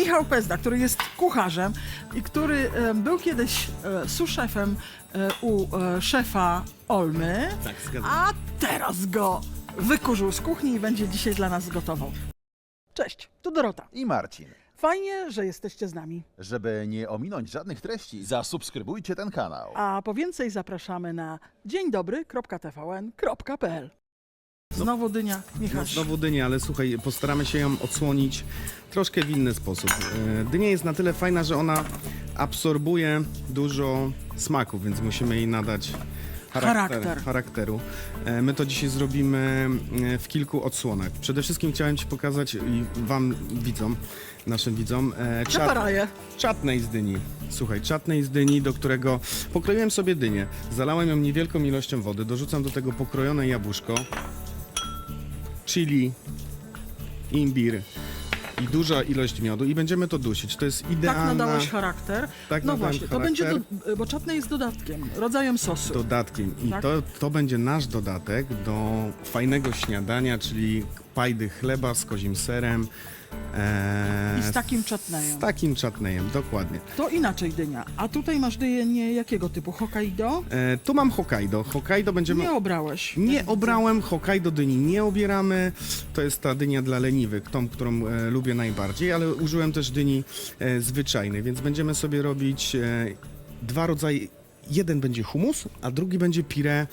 Michał Pezda, który jest kucharzem i który był kiedyś suszefem u szefa Olmy, Tak, zgadzam. a teraz go wykurzył z kuchni i będzie dzisiaj dla nas gotował. Cześć, tu Dorota. I Marcin. Fajnie, że jesteście z nami. Żeby nie ominąć żadnych treści, zasubskrybujcie ten kanał. A po więcej zapraszamy na dzieńdobry.tvn.pl. Znowu dynia, Michał. Znowu dynia, ale słuchaj, postaramy się ją odsłonić troszkę w inny sposób. Dynia jest na tyle fajna, że ona absorbuje dużo smaku, więc musimy jej nadać charakteru. My to dzisiaj zrobimy w kilku odsłonach. Przede wszystkim chciałem Ci pokazać i Wam widzom, naszym widzom, czatnej z dyni. Słuchaj, czatnej z dyni, do którego pokroiłem sobie dynię, zalałem ją niewielką ilością wody, dorzucam do tego pokrojone jabłuszko, chili, imbir i duża ilość miodu i będziemy to dusić. To jest idealna... Tak nadałeś charakter. Tak no nadałem właśnie, to będzie, charakter. bo czatne jest dodatkiem, rodzajem sosu. Dodatkiem. I Tak? to będzie nasz dodatek do fajnego śniadania, czyli pajdy chleba z kozim serem. I z takim czatnejem. Z takim czatnejem, dokładnie. To inaczej dynia. A tutaj masz dynię jakiego typu? Hokkaido? Tu mam Hokkaido. Hokkaido będziemy... Nie obrałeś. Nie obrałem, Hokkaido dyni nie obieramy. To jest ta dynia dla leniwych, tą, którą lubię najbardziej, ale użyłem też dyni zwyczajnej, więc będziemy sobie robić dwa rodzaje. Jeden będzie hummus, a drugi będzie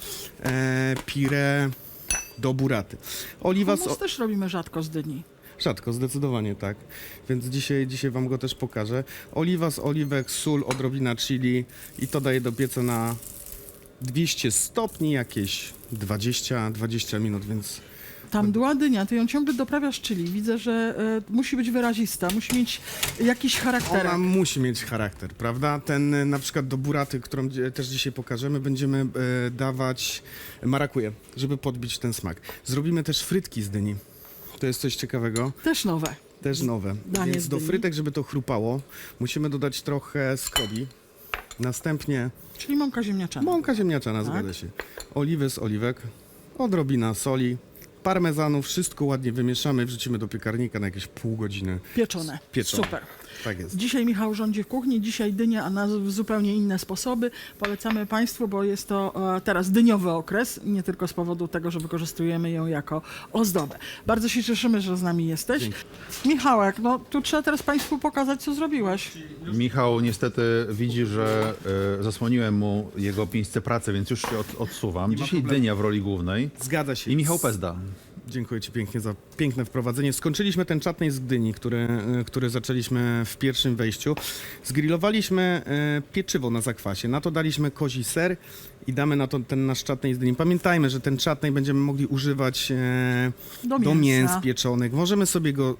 pire do buraty. Oliwa Hummus też robimy rzadko z dyni. Rzadko, zdecydowanie tak. Więc dzisiaj Wam go też pokażę. Oliwa z oliwek, sól, odrobina chili i to daję do pieca na 200 stopni, jakieś 20 minut, więc... Ta mdła dynia, ty ją ciągle doprawiasz, czyli widzę, że musi być wyrazista, musi mieć jakiś charakterek. Ona musi mieć charakter, prawda? Ten na przykład do buraty, którą też dzisiaj pokażemy, będziemy dawać marakuje, żeby podbić ten smak. Zrobimy też frytki z dyni. To jest coś ciekawego. Też nowe. Też nowe. Danie Więc z do dyni. frytek, żeby to chrupało, musimy dodać trochę skrobi. Następnie Czyli mąka ziemniaczana. mąka ziemniaczana, Tak. zgadza się. Oliwy z oliwek, odrobina soli, parmezanu, wszystko ładnie wymieszamy, wrzucimy do piekarnika na jakieś pół godziny. Pieczone. Pieczone. Super. Tak jest. Dzisiaj Michał rządzi w kuchni, dzisiaj dynia, a na zupełnie inne sposoby. Polecamy Państwu, bo jest to teraz dyniowy okres, nie tylko z powodu tego, że wykorzystujemy ją jako ozdobę. Bardzo się cieszymy, że z nami jesteś. Dzięki. Michałek, no tu trzeba teraz Państwu pokazać, co zrobiłeś. Michał niestety widzi, że zasłoniłem mu jego miejsce pracy, więc już się odsuwam. Dzisiaj problemu. dynia w roli głównej Zgadza się. i Michał Pezda. Dziękuję Ci pięknie za piękne wprowadzenie. Skończyliśmy ten czatnej z Gdyni, który zaczęliśmy w pierwszym wejściu. Zgrillowaliśmy pieczywo na zakwasie, na to daliśmy kozi ser i damy na to ten nasz czatnej z Gdyni. Pamiętajmy, że ten czatnej będziemy mogli używać do mięs pieczonych. Możemy sobie go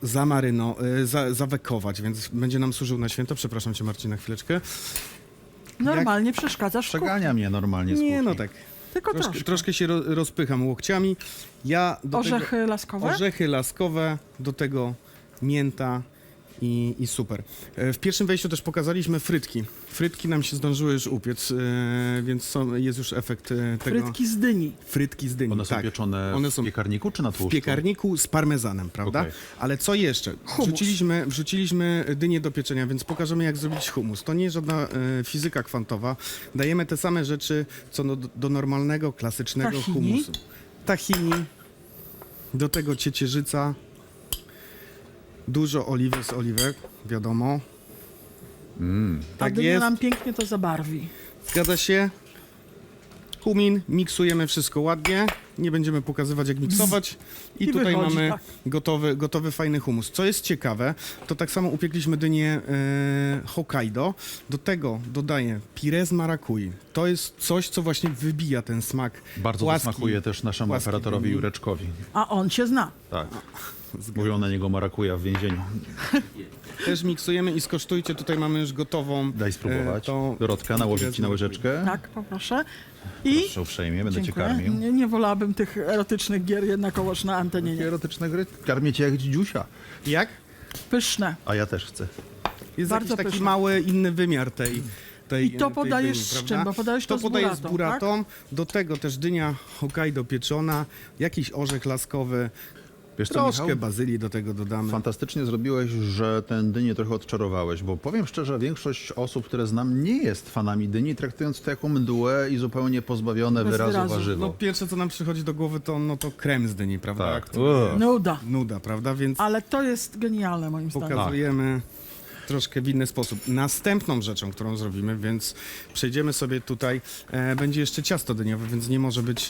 zawekować, więc będzie nam służył na święto. Przepraszam Cię, Marcin, na chwileczkę. Przeszkadzasz w kuchni. Przegania mnie normalnie z Nie, kuchni. no tak. Tylko troszkę. Troszkę się rozpycham łokciami. Ja do Orzechy laskowe? Orzechy laskowe, do tego mięta i super. W pierwszym wejściu też pokazaliśmy frytki. Frytki nam się zdążyły już upiec, więc jest już efekt tego. Frytki z dyni. Frytki z dyni, One są tak. pieczone One w są piekarniku czy na w tłuszczu? piekarniku z parmezanem, prawda? Okej. Ale co jeszcze? Hummus. Wrzuciliśmy dynię do pieczenia, więc pokażemy, jak zrobić hummus. To nie jest żadna fizyka kwantowa. Dajemy te same rzeczy, co do normalnego, klasycznego Tahini. hummusu. Tahini, do tego ciecierzyca, dużo oliwy z oliwek, wiadomo. A Tak dynia jest, nam pięknie to zabarwi. zgadza się. Kumin, miksujemy wszystko ładnie. Nie będziemy pokazywać, jak miksować. I I tutaj wychodzi, mamy tak. gotowy fajny hummus. Co jest ciekawe, to tak samo upiekliśmy dynię Hokkaido. Do tego dodaję pire z marakui. To jest coś, co właśnie wybija ten smak. Bardzo to płaski. smakuje też naszemu płaski operatorowi dyni. Jureczkowi. A on cię zna. Tak. Mówią na niego marakuja w więzieniu. Też miksujemy i skosztujcie. Tutaj mamy już gotową. Daj spróbować. to Dorotka, nałożyć ci na łyżeczkę. Tak, poproszę. I Proszę uprzejmie, będę cię dziękuję. karmił. Nie wolałabym tych erotycznych gier jednakowoż na antenie. Nie. Erotyczne gry. Karmię cię jak dzidziusia. Jak? Pyszne. A ja też chcę. Jest Bardzo jakiś taki pyszne. mały, inny wymiar tej I to tej podajesz dyni, z prawda? czym? Bo podajesz to z podaję z buratą, buratą. Do tego też dynia Hokkaido pieczona, jakiś orzech laskowy, Wiesz co, Troszkę Michał? bazylii do tego dodamy. Fantastycznie zrobiłeś, że ten dynię trochę odczarowałeś, bo powiem szczerze, większość osób, które znam, nie jest fanami dyni, traktując to jako mdłe i zupełnie pozbawione Bez wyrazu wyrazu. warzywo. No pierwsze, co nam przychodzi do głowy, to krem z dyni, prawda? Tak. Który- Nuda. Nuda, prawda? Więc Ale to jest genialne moim zdaniem. pokazujemy troszkę w inny sposób. Następną rzeczą, którą zrobimy, więc przejdziemy sobie tutaj, będzie jeszcze ciasto dyniowe, więc nie może być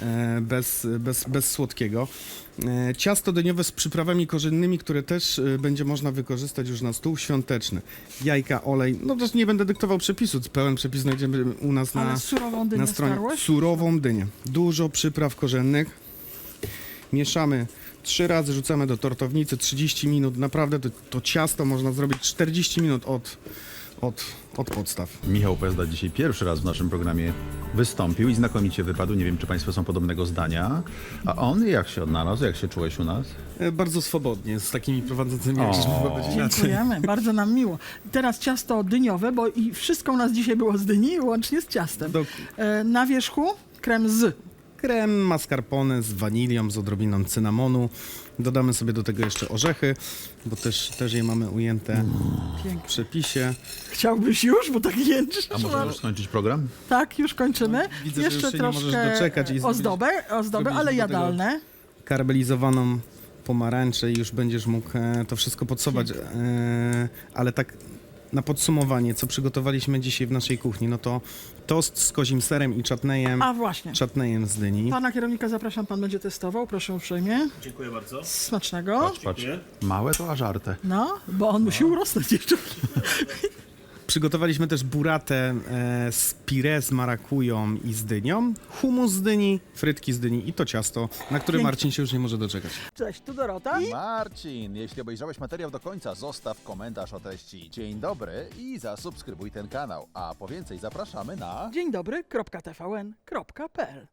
bez słodkiego. Ciasto dyniowe z przyprawami korzennymi, które też będzie można wykorzystać już na stół świąteczny. Jajka, olej, no też nie będę dyktował przepisu, pełen przepis znajdziemy u nas Ale na surową dynię na stronie. starłeś? Surową dynię. Dużo przypraw korzennych. Mieszamy 3 razy, rzucamy do tortownicy, 30 minut. Naprawdę to ciasto można zrobić 40 minut od podstaw. Michał Pezda dzisiaj pierwszy raz w naszym programie wystąpił i znakomicie wypadł. Nie wiem, czy Państwo są podobnego zdania. A on jak się odnalazł? Jak się czułeś u nas? Bardzo swobodnie, z takimi prowadzącymi, jak żeśmy powiedzieć inaczej. Dziękujemy, bardzo nam miło. Teraz ciasto dyniowe, bo i wszystko u nas dzisiaj było z dyni, łącznie z ciastem. Na wierzchu krem z. Krem mascarpone z wanilią, z odrobiną cynamonu. Dodamy sobie do tego jeszcze orzechy, bo też je mamy ujęte w Pięknie. przepisie. Chciałbyś już, bo tak jęczysz. A może już skończyć program? Tak, już kończymy. Widzę, że Jeszcze już się nie możesz troszkę doczekać i ozdobę, zrobiliśmy ale do tego- jadalne. Karmelizowaną pomarańczę i już będziesz mógł to wszystko podsuwać. Ale tak na podsumowanie, co przygotowaliśmy dzisiaj w naszej kuchni, no to tost z kozim serem i czatnejem, A właśnie. czatnejem z dyni. Pana kierownika zapraszam, pan będzie testował, proszę uprzejmie. Dziękuję bardzo. Smacznego. Patrz, małe to a żarte. No, bo on musi urosnąć jeszcze. Przygotowaliśmy też buratę z pire z marakują i z dynią, humus z dyni, frytki z dyni i to ciasto, na które Pięknie. Marcin się już nie może doczekać. Cześć, tu Dorota. Marcin, jeśli obejrzałeś materiał do końca, zostaw komentarz o treści. Dzień dobry i zasubskrybuj ten kanał. A po więcej zapraszamy na... Dzień dobry, .tvn.pl